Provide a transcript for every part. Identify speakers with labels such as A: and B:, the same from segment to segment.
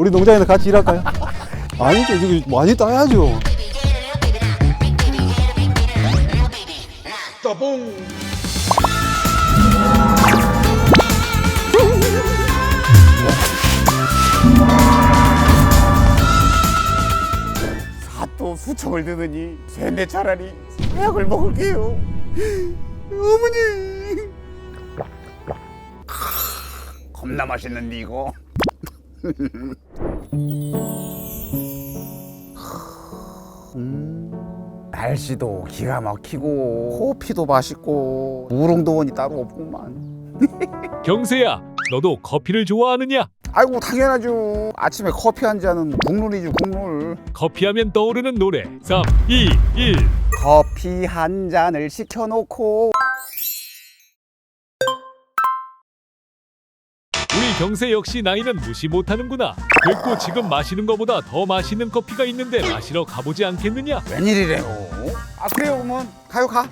A: 우리 농장에서 같이 일할까요? 아니죠. 이거 많이 따야죠.
B: 또 수청을 드느니 쇠내 차라리 사약을 먹을게요. 어머니. 겁나 맛있는데 이거. 날씨도 기가 막히고 커피도 맛있고 우롱도원이 따로 없구만.
C: 경세야, 너도 커피를 좋아하느냐?
B: 아이고 당연하죠. 아침에 커피 한 잔은 국룰이죠, 국룰.
C: 커피하면 떠오르는 노래 3, 2, 1.
B: 커피 한 잔을 시켜놓고.
C: 우리 경세 역시 나이는 무시 못하는구나. 됐고 지금 마시는 것보다 더 맛있는 커피가 있는데 마시러 가보지 않겠느냐?
B: 웬일이래요? 아 그래요, 그러면 가요 가.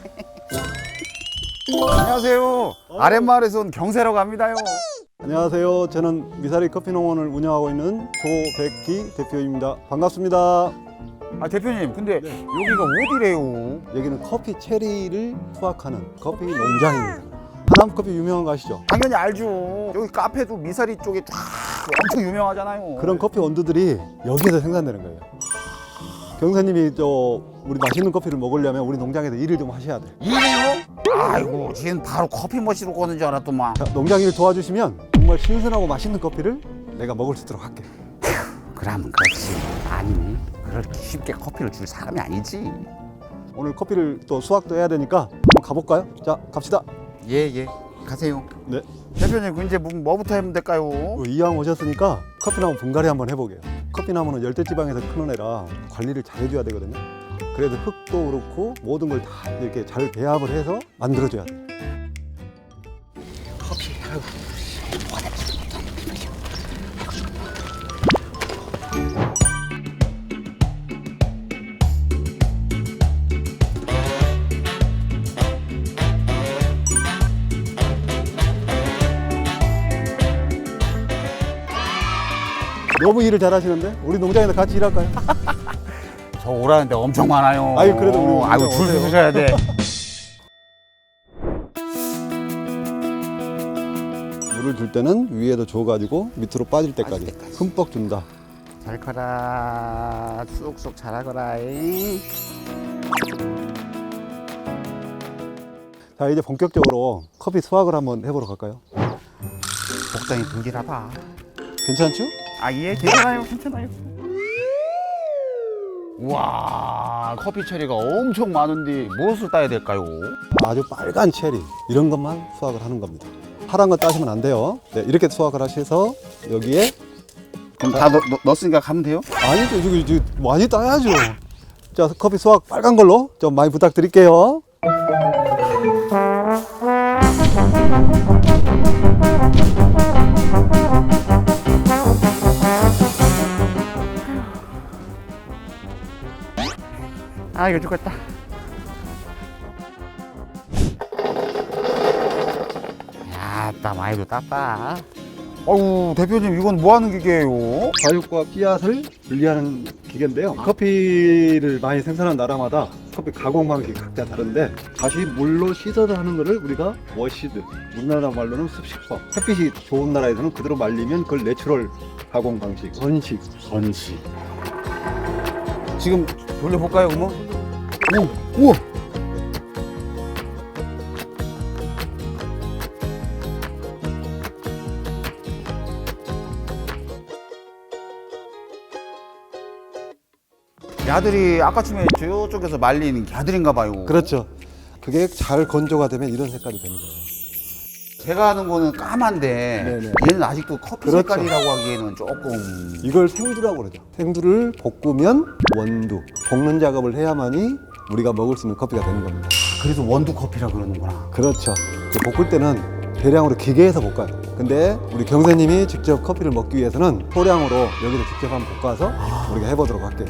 B: 안녕하세요. 아랫마을에서 온 경세라고 합니다요.
A: 안녕하세요. 저는 미사리 커피농원을 운영하고 있는 조백기 대표입니다. 반갑습니다.
B: 아 대표님, 근데 여기가 어디래요?
A: 여기는 커피 체리를 수확하는 커피 농장입니다. 하남 커피 유명한 거 아시죠?
B: 당연히 알죠. 여기 카페도 미사리 쪽에 쫙 엄청 유명하잖아요.
A: 그런 커피 원두들이 여기에서 생산되는 거예요. 경사님이 우리 맛있는 커피를 먹으려면 우리 농장에서 일을 좀 하셔야 돼.
B: 일이요? 아이고, 지금 바로 커피 머신으로 거는 줄 알았더만.
A: 자, 농장 일 도와주시면 정말 신선하고 맛있는 커피를 내가 먹을 수 있도록 할게.
B: 그러면 그렇지. 아니, 그렇게 쉽게 커피를 줄 사람이 아니지.
A: 오늘 커피를 또 수확도 해야 되니까 한번 가볼까요? 자, 갑시다.
B: 예, 가세요.
A: 네.
B: 대표님, 그 이제 뭐부터 하면 될까요?
A: 이왕 오셨으니까 커피나무 분갈이 한번 해보게요. 커피나무는 열대지방에서 크는 애라 관리를 잘 해줘야 되거든요. 그래서 흙도 그렇고 모든 걸 다 이렇게 잘 배합을 해서 만들어줘야 돼요.
B: 커피, 아이고.
A: 너무 일을 잘하시는데 우리 농장에서 같이 일할까요?
B: 저 오라는데 엄청 많아요.
A: 아유, 그래도 우리
B: 아이고, 줄
A: 오세요.
B: 서셔야 돼.
A: 물을 줄 때는 위에도 줘가지고 밑으로 빠질 때까지 흠뻑 준다.
B: 잘 커라. 쑥쑥 자라거라.
A: 자, 이제 본격적으로 커피 수확을 한번 해보러 갈까요?
B: 복장이 불길하다.
A: 괜찮죠?
B: 아, 예, 괜찮아요, 괜찮아요. 우와, 커피 체리가 엄청 많은데 무엇을 따야 될까요?
A: 아주 빨간 체리 이런 것만 수확을 하는 겁니다. 파란 거 따시면 안 돼요. 네, 이렇게 수확을 하셔서 여기에
B: 그럼 다 넣었으니까 가면 돼요?
A: 아니죠. 이거 많이 따야죠. 자, 커피 수확 빨간 걸로 좀 많이 부탁드릴게요.
B: 아, 이거 죽겠다. 야따, 많이도 땄다. 어우, 대표님, 이건 뭐 하는 기계예요?
A: 과육과 씨앗을 분리하는 기계인데요. 커피를 많이 생산하는 나라마다 커피 가공 방식이 각자 다른데 다시 물로 씻어서 하는 거를 우리가 워시드, 우리나라 말로는 습식법. 햇빛이 좋은 나라에서는 그대로 말리면 그걸 내추럴 가공 방식, 선식.
B: 지금 돌려볼까요, 그러면? 우와! 야들이 아까쯤에 저쪽에서 말린 야들인가 봐요.
A: 그렇죠. 그게 잘 건조가 되면 이런 색깔이 되는 거예요.
B: 제가 하는 거는 까만데
A: 네네.
B: 얘는 아직도 커피
A: 그렇죠.
B: 색깔이라고 하기에는 조금.
A: 이걸 생두라고 그러죠. 생두를 볶으면 원두, 볶는 작업을 해야만이 우리가 먹을 수 있는 커피가 되는 겁니다.
B: 그래서 원두 커피라 그러는구나.
A: 그렇죠. 그 볶을 때는 대량으로 기계에서 볶아요. 근데 우리 경사님이 직접 커피를 먹기 위해서는 소량으로 여기서 직접 한번 볶아서 우리가 해보도록 할게요.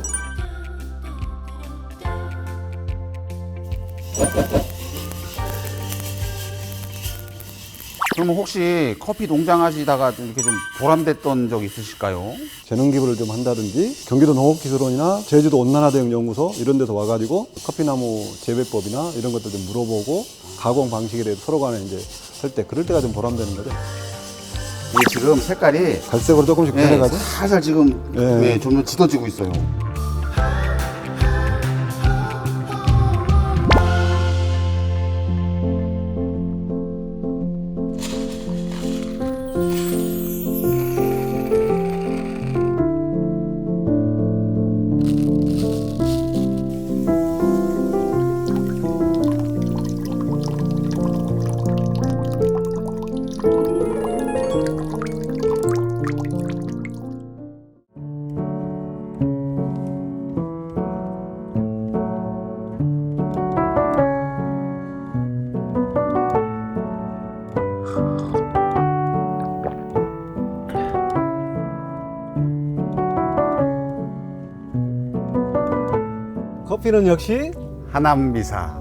B: 그러면 혹시 커피 농장 하시다가 좀 이렇게 좀 보람됐던 적 있으실까요?
A: 재능 기부를 좀 한다든지 경기도 농업기술원이나 제주도 온난화대응연구소 이런 데서 와가지고 커피나무 재배법이나 이런 것들 좀 물어보고 가공 방식에 대해서 서로 간에 이제 할 때 그럴 때가 좀 보람되는 거죠.
B: 이게 지금 색깔이
A: 갈색으로 조금씩 변해가지고
B: 살살 지금
A: 네.
B: 점점 짙어지고 있어요.
A: 커피는 역시
B: 하남미사.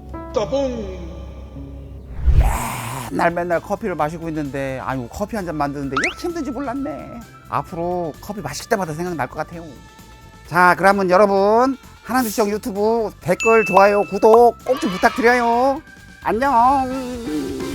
B: 맨날 커피를 마시고 있는데 아유 커피 한 잔 만드는데 이렇게 힘든지 몰랐네. 앞으로 커피 마실 때마다 생각날 것 같아요. 자 그러면 여러분 하남미시청 유튜브 댓글 좋아요 구독 꼭 좀 부탁드려요. 안녕.